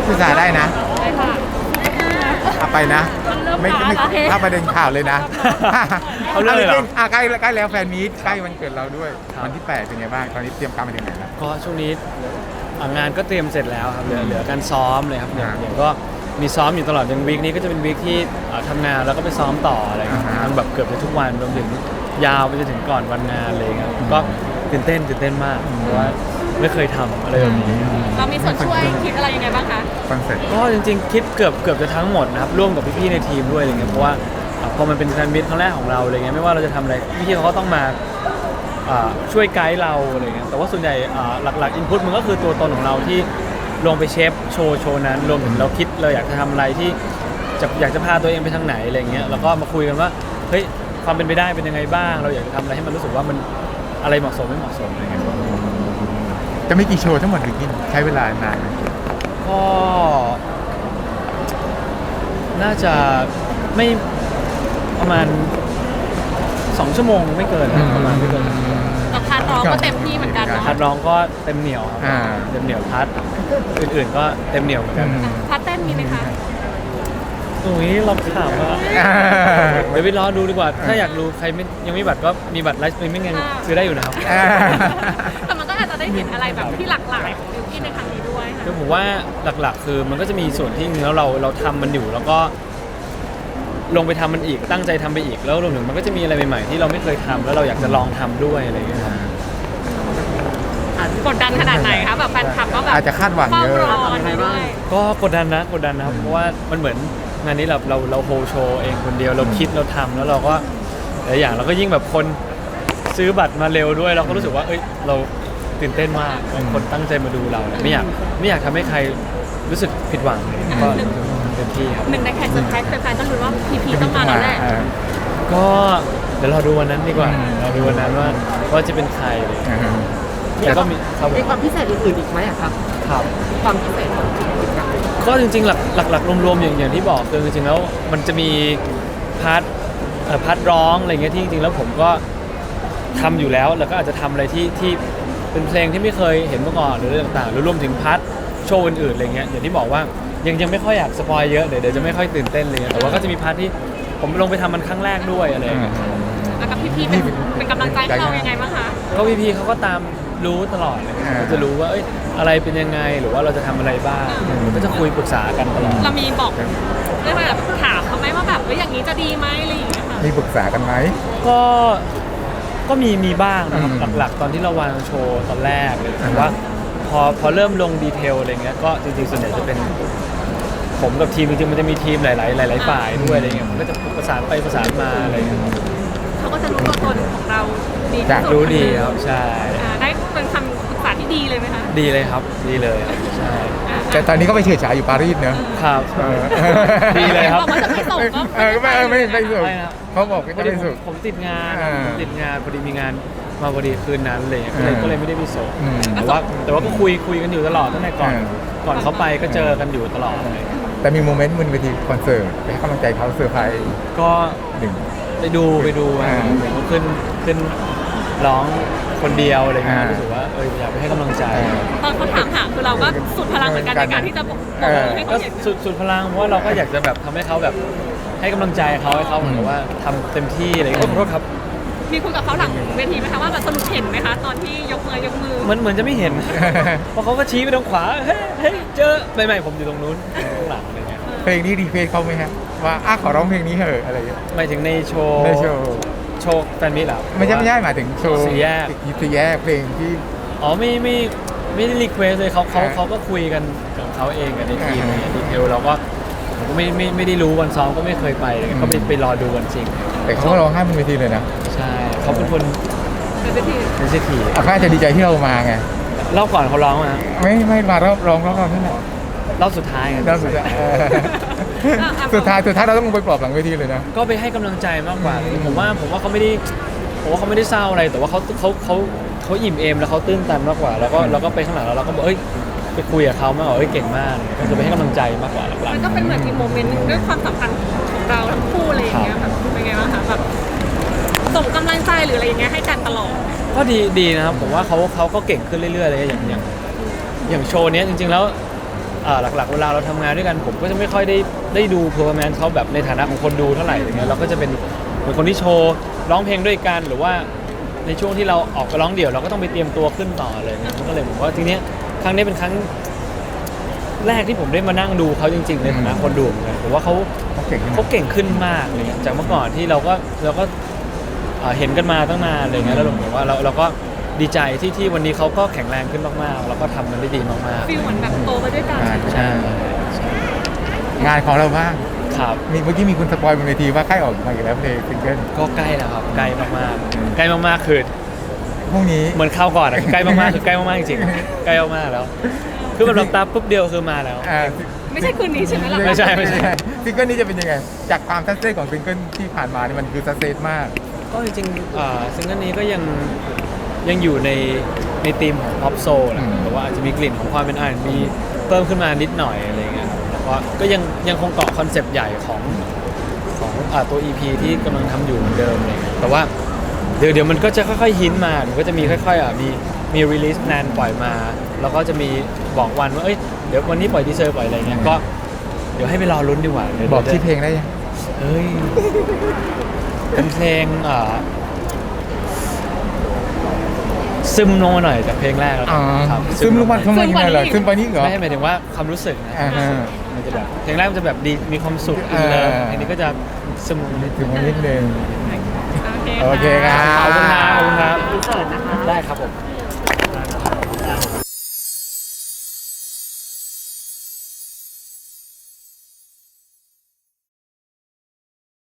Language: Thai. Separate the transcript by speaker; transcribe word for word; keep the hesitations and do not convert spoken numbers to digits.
Speaker 1: ภาษาได้นะ
Speaker 2: ได้ค่ะ
Speaker 1: เอาไปนะ ไม่ไม่ถ้าประเด็นข่าวเลยนะ
Speaker 3: เขาเรื่องเลยเหรอ
Speaker 1: อ่ะใกล้ใกล้แล้วแฟนมีตใกล้วันเกิดเราด้วยวันที่แปดเป็นไงบ้างตอนนี้เตรียมการมาถึงไหนแล้ว
Speaker 3: ก็ช่วงนี้อ่ะงานก็เตรียมเสร็จแล้วครับเหลือเหลือการซ้อมเลยครับเดี๋ยว
Speaker 1: อ่า
Speaker 3: เดี๋ยวก็มีซ้อมอยู่ตลอดอย่างวีคนี้ก็จะเป็นวีคที่อ่ะทำงานแล้วก็ไปซ้อมต่ออะไรอย่างเงี้ย
Speaker 1: อ่าฮะ
Speaker 3: มันแบบเกือบจะทุกวันรวมถึงยาวไปจนถึงก่อนวันงานเลยครับก็ตื่นเต้นตื่นเต้นมากเพราะว่าไม่เคยทำอะไรแบบนี้
Speaker 2: เรามีส่วนช่วยคิดอะไรยังไงบ้างคะ
Speaker 1: คอนเสิร์ต
Speaker 3: ก็จริงๆคิดเกือบเกือบจะทั้งหมดนะครับร่วมกับพี่ๆในทีมด้วยอะไรเงี้ยเพราะว่าอ่ะพอมันเป็นแฟนมิตรครั้งแรกของเราอะไรเงี้ยไม่ว่าเราจะทำอะไรพี่ๆเขาก็ต้องมาอ่าช่วยไกด์เราอะไรเงี้ยแต่ว่าส่วนใหญ่อ่าหลักๆอินพุตมันก็คือตัวตนของเราที่ลงไปเชฟโชว์โชว์นั้นรวมถึงเราคิดเราอยากจะทำอะไรที่จะอยากจะพาตัวเองไปทางไหนอะไรเงี้ยแล้วก็มาคุยกันว่าเฮ้ยความเป็นไปได้เป็นยังไงบ้าง เราอยากจะทำอะไรให้มันรู้สึกว่ามันอะไรเหมาะสมไม่เหมาะสมอะไรเงี้ย
Speaker 1: จะมีกี่โชว์ทั้งหมดหรือกินใช้เวลานานไหม
Speaker 3: ก็น่าจะไม่ประมาณสองชั่วโมงไม่เกินนะประมาณไม่เกิน
Speaker 2: กับพาร์ทร้องก็เต็มที่เหมือนกันเนาะ
Speaker 3: พัดร้องก็เต็มเหนียวครับ
Speaker 1: อ่า
Speaker 3: เต็มเหนียวพัดอื่นๆก็เต็มเหนียวเหมือนกัน
Speaker 2: พาร์ทเต้นมีไหมคะ
Speaker 3: ตรงนี้เราถามว่า
Speaker 1: อ่า
Speaker 3: เดี๋ยวไปรอดูดีกว่า ถ้าอยากรู้ใครไม่ยังไม่มีบัตรก็มีบัตรไลฟ์สตรีมมิ่งยังซื้อได้อยู่นะครับ
Speaker 1: อ่า
Speaker 2: แต่มันก็อาจจะได้เห็นอะไรแบบที่หลากหลายของบิวกิ้นในครั้งนี้ด้วยค่ะ
Speaker 3: คือผมว่าหลักๆ คือมันก็จะมีส่วนที่จริงๆแล้วเราเราทำมันอยู่แล้วก็ลงไปทำมันอีกตั้งใจทำไปอีกแล้วรวมถึงมันก็จะมีอะไรใหม่ๆที่เราไม่เคยทำแล้วเราอยากจะลองทำด้วยอะไรอย่างเงี้ยครับ
Speaker 2: กดดันขนาดไหนคะแบบแฟนคลับก็แบบ
Speaker 1: อาจจะคาดหวัง
Speaker 2: เฝ้า
Speaker 1: เยอะ
Speaker 2: รออะไรด้วย
Speaker 3: ก็กดดันนะกดดันนะครับเพราะว่ามันเหมือนงานนี้เราเราเราโฮลโชว์เองคนเดียวเราคิดเราทำแล้วเราก็หลายอย่างเราก็ยิ่งแบบคนซื้อบัตรมาเร็วด้วย เราก็รู้สึกว่าเอ้ยเราตื่นเต้นมากคนตั้งใจมาดูเราเนี่ยไม่อยากไม่อยากทำให้ใครรู้สึกผิดหวังก็เต็มที่ครับ
Speaker 2: หนึ่งในแขกเซอร์ไพรส์แฟนๆต้องรู้ว่าพีพีต้องมาแล้วแหละ
Speaker 1: อ่า
Speaker 3: ก็เดี๋ยวเราดูวันนั้นดีกว่า
Speaker 1: อืม
Speaker 3: เราดูวันนั้นว่าว่าจะเป็นใครเลย
Speaker 1: อ่า
Speaker 3: แต่ก็มีครับ
Speaker 4: มีความพิเศษอื่นๆอีกไหมอะครับ
Speaker 3: ครับ
Speaker 4: ความพิเศษของกิจกรรม
Speaker 3: ก็จริงๆหลักหลักหลักรวมๆอย่างอย่างที่บอกคือจริงๆแล้วมันจะมีพาร์ทเอ่อพาร์ทร้องอะไรเงี้ยที่จริงๆแล้วผมก็ทำอยู่แล้วแล้วก็อาจจะทำอะไรที่ที่เป็นเพลงที่ไม่เคยเห็นมาก่อนหรืออะไรต่างๆหรือรวมถึงพาร์ทโชว์อื่นๆอะไรเงี้ยอย่างที่บอกว่ายังยังไม่ค่อยอยากสปอยเยอะเดี๋ยวเดี๋ยวจะไม่ค่อยตื่นเต้นเลยแต่ว่าก็จะมีพาร์ทที่ผมลงไปทำมันครั้งแรกด้วยอะไรอย่างเงี้ย
Speaker 2: แล้วกับพีพีเป็นเป็นกำลังใจให้เรายังไงบ้างคะ
Speaker 3: ก็พี่พีเขาก็ตามรู้ตลอดเลย
Speaker 1: อ่า
Speaker 3: เขาจะรู้ว่าเอ้ยอะไรเป็นยังไงหรือว่าเราจะทำอะไรบ้างก็จะคุยปรึกษากันตลอด
Speaker 2: เรามีบอกเรียกว่าแบบถามเขาไหมว่าแบบเอ้ยอย่างนี้จะดีไหมอะไรอย่างเงี้ยค่ะ
Speaker 1: มีปรึกษากันไหม
Speaker 3: ก็ก็มีมีบ้างนะครับ
Speaker 1: อืม
Speaker 3: หลักๆ ตอนที่เราวางโชว์ตอนแรกเลย
Speaker 1: อ่า
Speaker 3: แต่ว่าพอพอเริ่มลงดีเทลอะไรเงี้ยก็จริงๆส่วนใหญ่จะเป็นผมกับทีมจริงๆมันจะมีทีมหลายๆหลายๆฝ่ายด้วยอะไรเงี้ยผมก็จะประสานไปประสานมาอะไรเงี้ยครับ
Speaker 2: เขาก็จะรู้ตัวตนของเราดีที่
Speaker 1: จาก
Speaker 2: สุด
Speaker 3: รู้ดีครับใช่
Speaker 2: อ่าได้เป็นคำปรึกษาที่ดีเลยไหมคะ
Speaker 3: ดีเลยครับดีเลยครับใช่
Speaker 1: แต่ตอนนี้ก็ไปเฉิดฉายอยู่ปารีสเนอะ
Speaker 3: ครับ
Speaker 1: เออ
Speaker 3: ดีเลยครับ
Speaker 2: บอกว่าจะไม่ส่งก็
Speaker 1: เออไม่ไม่ไม่สุด
Speaker 3: ไม่นะ
Speaker 1: เขาบอกไม่
Speaker 3: พอดี
Speaker 1: ไม่
Speaker 3: ผม
Speaker 1: สุด
Speaker 3: ผมติดงาน
Speaker 1: อ่า
Speaker 3: ผมติดงานพอดีมีงานมาพอดีคืนนั้นเลยก็เลย
Speaker 1: อ่า
Speaker 3: ก็เลยไม่ได้ไปส่ง
Speaker 1: อืม
Speaker 3: แต่ว่าแต่ว่าก็คุยคุยกันอยู่ตลอดตั้งแต่ก่อน
Speaker 1: อ่า
Speaker 3: ก่อนเขาไปก็เจอกันอยู่ตลอดเลย
Speaker 1: แต่มีโมเมนต์บนเวทีคอนเสิร์ตไปให้กำลังใจเขาเซอร์ไพรส์
Speaker 3: ก็
Speaker 1: หนึ่ง
Speaker 3: ไปดูไปดู
Speaker 1: อ่า
Speaker 3: ผมก็ขึ้นขึ้นร้องคนเดียวอะไรเงี้ย
Speaker 1: อ่า
Speaker 3: รู้สึกว่าเอออยากไปให้กำลังใจ
Speaker 2: ตอนเขาถามหาคือเราก็สุดพลังเหมือนกันในการที่จะบอก
Speaker 1: เออ
Speaker 2: ให้
Speaker 3: ก็
Speaker 2: เขาเห็น
Speaker 3: สุดสุดพลังเพราะว่าเราก็อยากจะแบบทำให้เขาแบบให้กำลังใจเขาให้เขาเหมือนกับว่าทำเต็มที่อะไรเงี้ยขอโทษครับ
Speaker 2: มีคุยกับเขาหลังเวทีไหมคะว่าแบบสรุปเห็นไหมคะตอนที่ยกมือยกมือ
Speaker 3: เหมือนเหมือนจะไม่เห็น เพราะเขาก็ชี้ไปทางขวาเฮ้ยเฮ้ยเจอไม่ไม่ผมอยู่ตรงนู้นข้างหลังอะไรเงี้ย
Speaker 1: เพลงนี้รีเควสเขาไหมฮะว่าอ่ะขอร้องเพลงนี้เถอะอะไรอย่างเงี้ย
Speaker 3: หมายถึงในโชว์
Speaker 1: ในโชว์
Speaker 3: โชว์แฟนมิตรเหรอ
Speaker 1: ไม่ใช่ไม่ใช่หมายถึงโชว์
Speaker 3: สี่แยก
Speaker 1: สี่แยกเพลงที่
Speaker 3: อ๋อไม่ไม่ไม่ได้รีเควสเลยเขาเขา
Speaker 1: อ่า
Speaker 3: เขาก็คุยกันกับเขาเองกันในทีม
Speaker 1: อ่า
Speaker 3: อะไรเงี้ยดีเทลเราก็ผมก็ไม่ไม่ไม่ได้รู้วันซ้อมก็ไม่เคยไปเลยก็ไปไปรอดูวันจริง
Speaker 1: แต่เขาก็ร้องไห้บนเวทีเลยนะ
Speaker 3: ใช่เขาเป็นคน
Speaker 2: เป็นเวที
Speaker 3: เป็นเศรษฐี
Speaker 1: อาค่าจะดีใจที่เรามาไง
Speaker 3: รอบก่อนเขาร้องมา
Speaker 1: ไม่ไม่มารอบร้องรอบเราเท่าไหร่
Speaker 3: รอบสุดท้ายไง
Speaker 1: รอบสุดท้ายเออสุดท้ายสุดท้ายเราต้องลงไปปลอบหลังเวทีเลยนะ
Speaker 3: ก็ไปให้กำลังใจมากกว่าผมว่าผมว่าเขาไม่ได้ผมว่าเขาไม่ได้เศร้าอะไรแต่ว่าเขาเขาเขาเขาอิ่มเอมแล้วเขาตื้นตันมากกว่า แล้วก็เราก็ไปข้างหลังแล้วเราก็บอกเอ้ยไปคุยกับเขามากกว่าเอ้ยเก่งมากก็คือไปให้กำลังใจมากกว่าหลัก
Speaker 2: มันก็เป็นเหมือนอีกโมเมนต์หนึงด้วยความสัมพันธ์ของเราทั้งคู่อะไรอย่างเงี้ยแบบเป็นไงบ้างคะแบบส่งกำลังใจหรืออะไรอย่างเงี้ยให้กันตลอด
Speaker 3: ๆก็ดีดีนะครับผมว่าเขาเขาก็เก่งขึ้นเรื่อยๆเลยอย่างอย่างอย่างโชว์เนี้ยจริงๆแล้วเอ่อหลักๆเวลาเราทำงานด้วยกันผมก็จะไม่ค่อยได้ได้ดูเพอร์ฟอร์แมนซ์เขาแบบในฐานะของคนดูเท่าไหร่อย่างเงี้ยเราก็จะเป็นเป็นคนที่โชว์ร้องเพลงด้วยกันหรือว่าในช่วงที่เราออกไปร้องเดี่ยวเราก็ต้องไปเตรียมตัวขึ้นต่อเลยเนี่ยมันก็เลยผมว่าทีเนี้ยครั้งนี้เป็นครั้งแรกที่ผมได้มานั่งดูเขาจริงๆในฐานะคนดูเหมือนกันผมว่าเขา
Speaker 1: เขาเก่งขึ้น
Speaker 3: เขาเก่งขึ้นมากเลยจากเมื่อก่อนที่เราก็เราก็เอ่อเห็นกันมาตั้งนานอะไรเงี้ยแล้วเราบอกว่าเราเราก็ดีใจที่ที่วันนี้เขาก็แข็งแรงขึ้นมากๆแล้วก็ทำมันได้ดีมาก
Speaker 2: ฟีลเหมือนแบบโตไปด้วยกัน
Speaker 1: อ่า
Speaker 3: ๆใช่
Speaker 1: งานของเราบ้าง
Speaker 3: ครับ
Speaker 1: มีเมื่อกี้มีคุณสปอยบนเวทีว่าใกล้ออกมาอีกแล้วเพลงซิงเกิล
Speaker 3: ก็ใกล้แล้วครับใกล้มากๆใกล้มากๆคือ
Speaker 1: พรุ่งนี้
Speaker 3: เหมือนข้าวก่อนอะใกล้มากๆคือใกล้มากๆจริงๆใกล้มากๆแล้ว คือมันรับตาปุ๊บเดียวคือมาแล้ว
Speaker 1: อ่า
Speaker 2: ไม่ใช่คืนนี้ใช่ไหมล่ะ
Speaker 3: ไม่ใช่ไม่ใช่
Speaker 1: ซิงเกิลนี้จะเป็นยังไงจากความซัสเซสของซิงเกิลที่ผ่านมาเนี่ยมันคือซัสเซสมาก
Speaker 3: ก็จริงๆอ่าซิงเกิลนี้ก็ยังยังอยู่ในในธีมของ pop soul แหละ
Speaker 1: อืม
Speaker 3: แต่ว่าอาจจะมีกลิ่นของความเป็น อาร์ แอนด์ บี เพิ่มขึ้นมานิดหน่อยอะไรเงี้ยครับแต่ว่าก็ยังยังคงเกาะคอนเซปต์ใหญ่ของของอ่าตัว อี พี ที่กำลังทำอยู่เหมือนเดิมอะไรเลยแต่ว่าเดี๋ยวเดี๋ยวมันก็จะค่อยๆฮินมาเดี๋ยวก็จะมีค่อยๆอ่ะมีมีรีลิสแนนปล่อยมา แล้วก็จะมีบอกวันว่าเอ้ยเดี๋ยววันนี้ปล่อยดีเซอร์ปล่อยอะไรเงี้ยก็เดี๋ยวให้ไปรอลุ้นดีกว่าเดี๋ยว
Speaker 1: บอก
Speaker 3: ดี๋ยว
Speaker 1: ที่อเพลงได้ยัง
Speaker 3: เฮ้ย เป็นเพลงอ่าซึมลงมาหน่อยจากเพลงแรกแล้ว
Speaker 1: อ๋อ
Speaker 3: ครับ
Speaker 1: ซึมลงมาทำไมยังไงเหรอซึมไปนี่เหรอ
Speaker 3: ไม่ให้หมายถึงว่าความรู้สึกนะ
Speaker 1: อ่าฮะ
Speaker 3: มันจะแบบเพลงแรกมันจะแบบดีมีความสุข
Speaker 1: อ่า
Speaker 3: อินเลิฟอันนี้ก็จะซึมลงนิด
Speaker 1: ถึงวันนิดนึง
Speaker 2: โอเค
Speaker 1: โอเคครับ
Speaker 3: ขอบคุณครับขอบคุณครับ
Speaker 4: อินเสิร์ตนะคะ
Speaker 3: ได้ครับผม